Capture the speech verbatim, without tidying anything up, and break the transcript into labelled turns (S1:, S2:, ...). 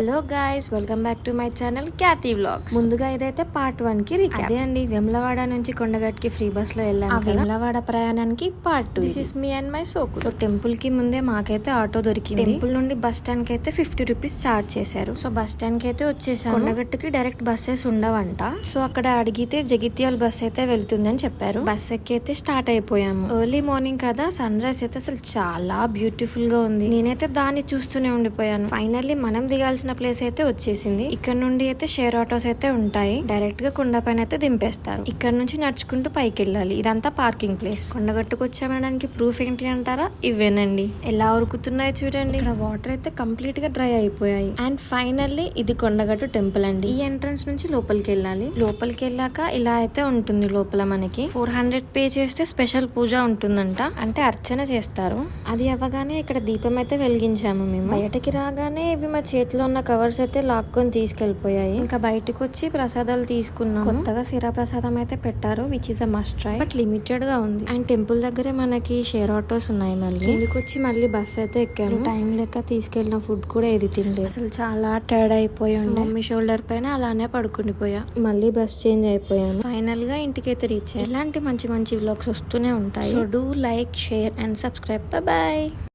S1: Hello guys, welcome back to my channel Katy vlogs. ముందుగా ఇదైతే part one కి recap. అదే అండి, వెమ్లవాడ నుంచి కొండగట్కి ఫ్రీ బస్ లో వెళ్ళాను. వెమ్లవాడ ప్రయాణానికి part two. This is me and my సోకు. సో టెంపుల్ కి ముందే మాకైతే ఆటో దొరికింది. టెంపుల్ నుండి బస్ స్టాండ్ కి అయితే ఫిఫ్టీ రూపీస్ చార్జ్ చేశారు. సో బస్ స్టాండ్ కి అయితే వచ్చేసాను. కొండగట్టుకి డైరెక్ట్ బస్సెస్ ఉండవంట. సో అక్కడ అడిగితే జగిత్యాల బస్ అయితే వెళ్తుందని చెప్పారు. బస్ ఎక్కి అయితే స్టార్ట్ అయిపోయాము. ఎర్లీ మార్నింగ్ కదా, సన్ రైజ్ అయితే అసలు చాలా బ్యూటిఫుల్ గా ఉంది. నేనైతే దాన్ని చూస్తూనే ఉండిపోయాను. ఫైనల్లీ మనం దిగాల్సిన ప్లేస్ అయితే వచ్చేసింది. ఇక్కడ నుండి అయితే షేర్ ఆటోస్ అయితే ఉంటాయి. డైరెక్ట్ గా కొండ పైన అయితే దింపేస్తారు. ఇక్కడ నుంచి నడుచుకుంటూ పైకి వెళ్ళాలి. ఇదంతా పార్కింగ్ ప్లేస్. కొండగట్టుకు వచ్చామనడానికి ప్రూఫ్ ఏంటి అంటారా? ఇవేనండి. ఎలా ఉరుకుతున్నాయో చూడండి. ఇక్కడ వాటర్ అయితే కంప్లీట్ గా డ్రై అయిపోయాయి. అండ్ ఫైనల్లీ ఇది కొండగట్టు టెంపుల్ అండి. ఈ ఎంట్రన్స్ నుంచి లోపలికి వెళ్ళాలి. లోపలికి వెళ్ళాక ఇలా అయితే ఉంటుంది. లోపల మనకి ఫోర్ హండ్రెడ్ పే చేస్తే స్పెషల్ పూజ ఉంటుందంట. అంటే అర్చన చేస్తారు. అది అవ్వగానే ఇక్కడ దీపం అయితే వెలిగించాము మేము. బయటకి రాగానే ఇవి మా చేతిలో ఉన్న కవర్స్ అయితే లాక్కొని తీసుకెళ్లిపోయాయి. ఇంకా బయటకు వచ్చి ప్రసాదాలు తీసుకున్నాం. కొత్తగా సిరా ప్రసాదం అయితే పెట్టారు, which is a must try. But limited గా ఉంది. అండ్ టెంపుల్ దగ్గరే మనకి షేర్ ఆటోస్ ఉన్నాయి. మళ్ళీ ఇందుకు వచ్చి మళ్ళీ బస్ అయితే ఎక్కాను. టైం లెక్క తీసుకెళ్లిన ఫుడ్ కూడా ఏది తినలేదు. అసలు చాలా టైర్డ్ అయిపోయి ఉండే. మమ్మీ షోల్డర్ పైన అలానే పడుకుండిపోయా. మళ్ళీ బస్ చేంజ్ అయిపోయాను. ఫైనల్ గా ఇంటికి అయితే రీచ్ అయ్యాను. ఇలాంటి మంచి మంచి వ్లాగ్స్ వస్తూనే ఉంటాయి. So do like, share and subscribe. Bye.